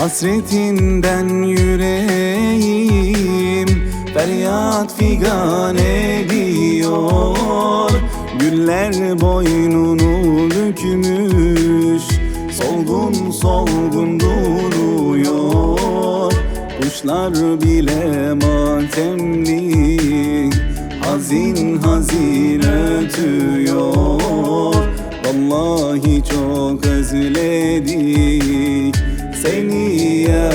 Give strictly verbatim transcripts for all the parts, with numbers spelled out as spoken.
Hasretinden yüreğim feryat figan ediyor. Güller boynunu bükmüş, solgun solgun duruyor. Kuşlar bile matemli, hazin hazin ötüyor. Vallahi çok özledik seni ya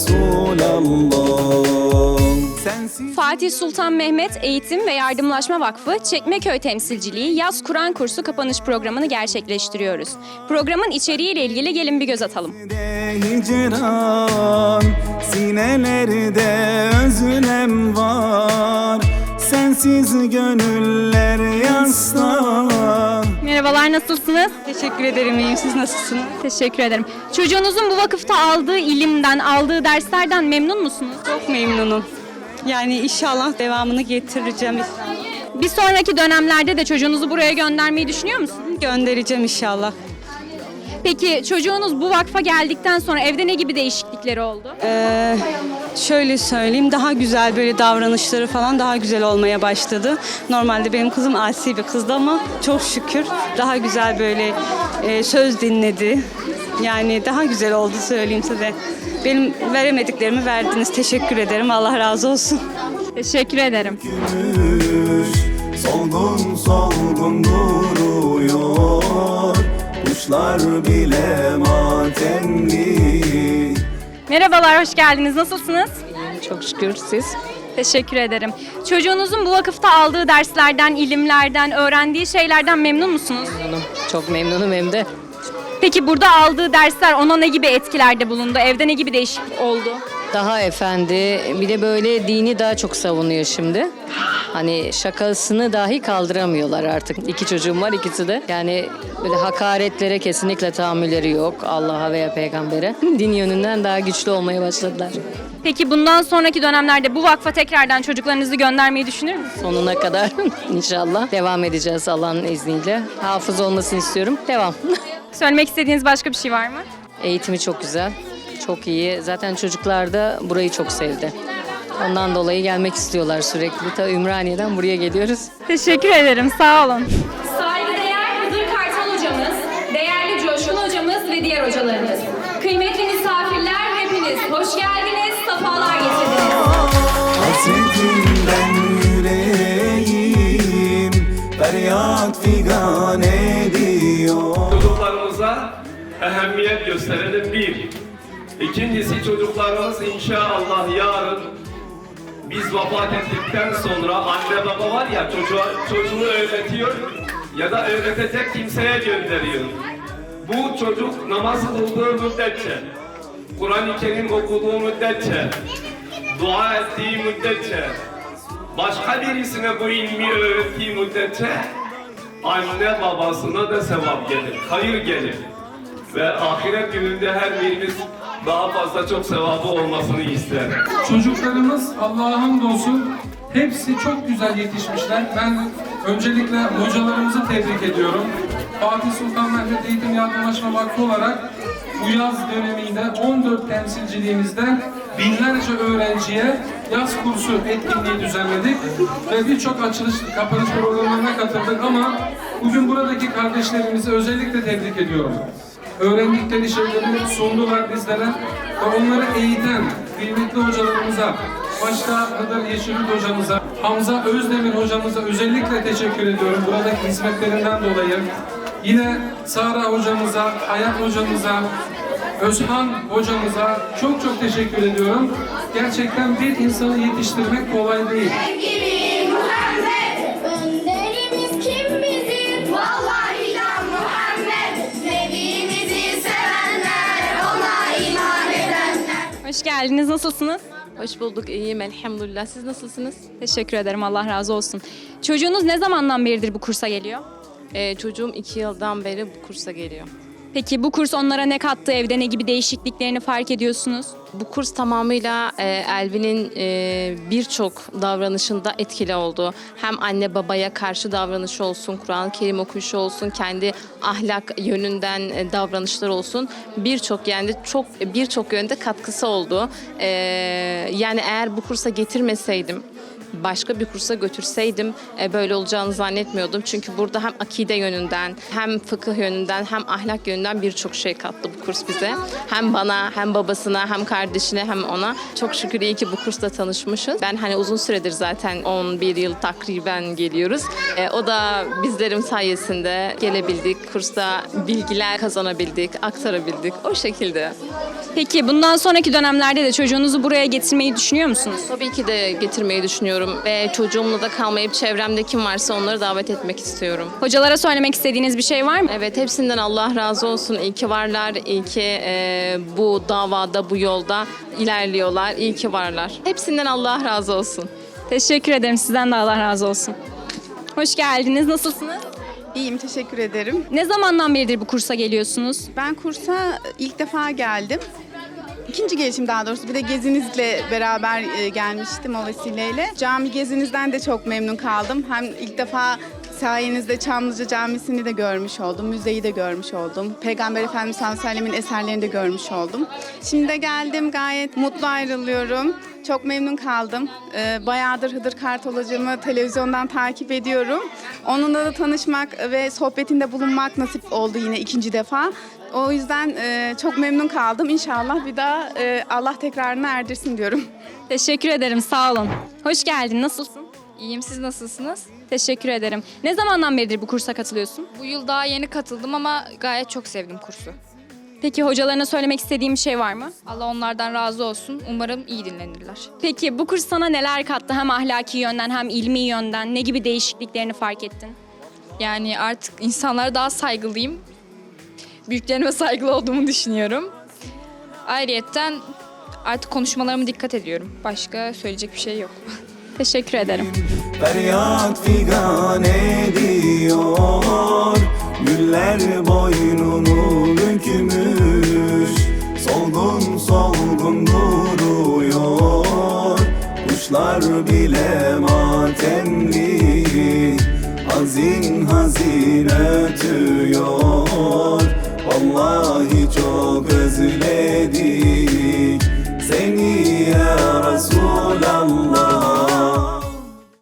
Resulallah. Sensiz... Fatih Sultan Mehmet Eğitim ve Yardımlaşma Vakfı Çekmeköy Temsilciliği Yaz Kur'an Kursu kapanış programını gerçekleştiriyoruz. Programın içeriğiyle ilgili gelin bir göz atalım. Hicran, sinelerde özlem var, sensiz gönüller yaslar. Merhabalar, nasılsınız? Teşekkür ederim, iyiyim. Siz nasılsınız? Teşekkür ederim. Çocuğunuzun bu vakıfta aldığı ilimden, aldığı derslerden memnun musunuz? Çok memnunum. Yani inşallah devamını getireceğim. Bir sonraki dönemlerde de çocuğunuzu buraya göndermeyi düşünüyor musunuz? Göndereceğim inşallah. Peki çocuğunuz bu vakfa geldikten sonra evde ne gibi değişiklikleri oldu? Ee, şöyle söyleyeyim, daha güzel böyle davranışları falan daha güzel olmaya başladı. Normalde benim kızım asi bir kızdı ama çok şükür daha güzel böyle e, söz dinledi. Yani daha güzel oldu söyleyeyim size. Benim veremediklerimi verdiniz. Teşekkür ederim. Allah razı olsun. Teşekkür ederim. Solgun solgun duruyor, kuşlar bile matemli. Merhabalar, hoş geldiniz. Nasılsınız? Çok şükür, siz? Teşekkür ederim. Çocuğunuzun bu vakıfta aldığı derslerden, ilimlerden, öğrendiği şeylerden memnun musunuz? Memnunum. Çok memnunum hem de. Peki burada aldığı dersler ona ne gibi etkilerde bulundu? Evde ne gibi değişiklik oldu? Daha efendi, bir de böyle dini daha çok savunuyor şimdi. Hani şakasını dahi kaldıramıyorlar artık. İki çocuğum var, ikisi de. Yani böyle hakaretlere kesinlikle tahammülleri yok. Allah'a veya peygambere. Din yönünden daha güçlü olmaya başladılar. Peki bundan sonraki dönemlerde bu vakfa tekrardan çocuklarınızı göndermeyi düşünür müsünüz? Sonuna kadar inşallah devam edeceğiz Allah'ın izniyle. Hafız olmasını istiyorum. Devam. Söylemek istediğiniz başka bir şey var mı? Eğitimi çok güzel. Çok iyi. Zaten çocuklar da burayı çok sevdi. Ondan dolayı gelmek istiyorlar sürekli. Ta Ümraniye'den buraya geliyoruz. Teşekkür ederim, sağ olun. Saygıdeğer Hızır Kartal hocamız, değerli Coşkun hocamız ve diğer hocalarımız. Kıymetli misafirler hepiniz hoş geldiniz, sefalar getirdiniz. Hasretinden yüreğim feryat figan ediyor. Çocuklarımıza ehemmiyet gösterelim bir. İkincisi çocuklarımız inşallah yarın biz vefat ettikten sonra anne baba var ya çocuğa, çocuğunu öğretiyor ya da öğretecek kimseye gönderiyor. Bu çocuk namaz kıldığı müddetçe, Kur'an-ı Kerim okuduğu müddetçe, dua ettiği müddetçe, başka birisine bu ilmi öğrettiği müddetçe anne babasına da sevap gelir, hayır gelir. Ve ahiret gününde her birimiz daha fazla çok sevabı olmasını ister. Çocuklarımız Allah'a hamdolsun hepsi çok güzel yetişmişler. Ben öncelikle hocalarımızı tebrik ediyorum. Fatih Sultan Mehmet Eğitim Yardımlaşma Vakfı olarak bu yaz döneminde on dört temsilciliğimizden binlerce öğrenciye yaz kursu etkinliği düzenledik ve birçok açılış, kapanış programlarına katıldık ama bugün buradaki kardeşlerimizi özellikle tebrik ediyorum. Öğrendikleri şeyleri sundular bizlere ve onları eğiten kıymetli hocalarımıza, başta Hıdır Yeşilyurt hocamıza, Hamza Özdemir hocamıza özellikle teşekkür ediyorum buradaki hizmetlerinden dolayı. Yine Sara hocamıza, Hayat hocamıza, Özhan hocamıza çok çok teşekkür ediyorum. Gerçekten bir insanı yetiştirmek kolay değil. Hoş geldiniz, nasılsınız? Hoş bulduk, iyiyim elhamdülillah. Siz nasılsınız? Teşekkür ederim, Allah razı olsun. Çocuğunuz ne zamandan beridir bu kursa geliyor? Ee, çocuğum iki yıldan beri bu kursa geliyor. Peki bu kurs onlara ne kattı? Evde ne gibi değişikliklerini fark ediyorsunuz? Bu kurs tamamıyla e, Elvin'in e, birçok davranışında etkili oldu. Hem anne babaya karşı davranışı olsun, Kur'an-ı Kerim okuyuşu olsun, kendi ahlak yönünden e, davranışlar olsun. Birçok yani çok birçok yönde katkısı oldu. E, yani eğer bu kursa getirmeseydim, başka bir kursa götürseydim e, böyle olacağını zannetmiyordum. Çünkü burada hem akide yönünden, hem fıkıh yönünden, hem ahlak yönünden birçok şey kattı bu kurs bize. Hem bana, hem babasına, hem kardeşine, hem ona. Çok şükür iyi ki bu kursla tanışmışız. Ben hani uzun süredir zaten on bir yıl takriben geliyoruz. E, o da bizlerin sayesinde gelebildik. Kursta bilgiler kazanabildik, aktarabildik. O şekilde. Peki bundan sonraki dönemlerde de çocuğunuzu buraya getirmeyi düşünüyor musunuz? Tabii ki de getirmeyi düşünüyorum ve çocuğumla da kalmayıp çevremde kim varsa onları davet etmek istiyorum. Hocalara söylemek istediğiniz bir şey var mı? Evet, hepsinden Allah razı olsun. İyi ki varlar, iyi ki e, bu davada, bu yolda ilerliyorlar. İyi ki varlar. Hepsinden Allah razı olsun. Teşekkür ederim. Sizden de Allah razı olsun. Hoş geldiniz. Nasılsınız? İyiyim, teşekkür ederim. Ne zamandan beridir bu kursa geliyorsunuz? Ben kursa ilk defa geldim. İkinci gelişim daha doğrusu. Bir de gezinizle beraber e, gelmiştim o vesileyle. Cami gezinizden de çok memnun kaldım. Hem ilk defa sayenizde Çamlıca Camisi'ni de görmüş oldum. Müzeyi de görmüş oldum. Peygamber Efendimiz sallallahu aleyhi ve sellem'in eserlerini de görmüş oldum. Şimdi de geldim, gayet mutlu ayrılıyorum. Çok memnun kaldım. Ee, bayağıdır Hıdır Kartal hocamı televizyondan takip ediyorum. Onunla da tanışmak ve sohbetinde bulunmak nasip oldu yine ikinci defa. O yüzden e, çok memnun kaldım. İnşallah bir daha e, Allah tekrarını erdirsin diyorum. Teşekkür ederim. Sağ olun. Hoş geldin. Nasılsın? İyiyim, siz nasılsınız? Teşekkür ederim. Ne zamandan beridir bu kursa katılıyorsun? Bu yıl daha yeni katıldım ama gayet çok sevdim kursu. Peki hocalarına söylemek istediğim bir şey var mı? Allah onlardan razı olsun. Umarım iyi dinlenirler. Peki bu kurs sana neler kattı? Hem ahlaki yönden hem ilmi yönden ne gibi değişikliklerini fark ettin? Yani artık insanlara daha saygılıyım. Büyüklerime saygılı olduğumu düşünüyorum. Ayrıyetten artık konuşmalarıma dikkat ediyorum. Başka söyleyecek bir şey yok. Teşekkür ederim. Feryat figan ediyor, güller boynunu bükmüş, solgun solgun duruyor, kuşlar bile matemli, hazin hazin